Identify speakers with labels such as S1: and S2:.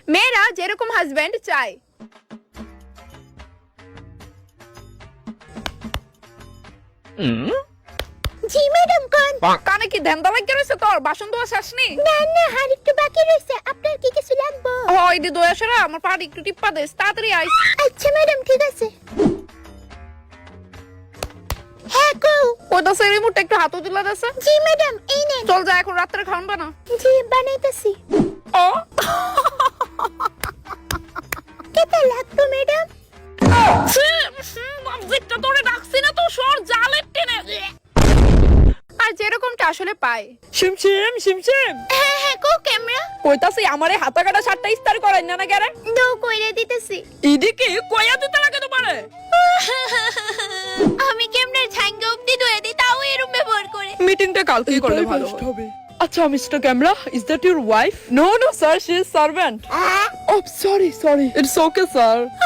S1: মেয়েরা যেরকম হাজবেন্ড চায়।
S2: জি ম্যাডাম কোন?
S1: কানে কি ধ্যানদা লাগে রয়েছে তোর? বাসন ধোয়া শেষ নেই?
S2: না না, আর একটু বাকি রয়েছে। আপনার কি কিছু লাগবে?
S1: হয় দি দয়া সেরা আমার পাড়ি একটু টিপ্পা দে, তাড়াতাড়ি আইস।
S2: আচ্ছা ম্যাডাম, ঠিক আছে। হ্যাঁ কো?
S1: ওটা সে রিমোটটা একটু হাতে তুলে দেছে।
S2: জি ম্যাডাম, এই নেন।
S1: চল যা, এখন রাত্রে খাওয়ান বানা।
S2: জি বানাইতেছি।
S1: ও
S2: কেটা লাগবে ম্যাডাম?
S1: বাবজিটা তোরে ডাকছি না তো, সর জালের টেনে। আর যেরকমটা আসলে পায়। শিমশিম শিমশিম
S2: হ্যাঁ হ্যাঁ কো ক্যামেরা?
S1: কইতাছি আমারে হাতা কাটা শার্টটা ইস্তার করাই না না কেরে?
S2: দো কইরে দিতেছি।
S1: ইদিকে কইয়া দিতে লাগে তোমারে।
S2: আমি ক্যামেরার ঝাঙ্গা অবধি ধুয়ে দিই, তাও এরম ব্যবহার করে।
S1: মিটিংটা কালকেই করলে ভালো হবে। আচ্ছা mister camera, is that your wife? No no sir, she is servant. Oh sorry, it's okay sir.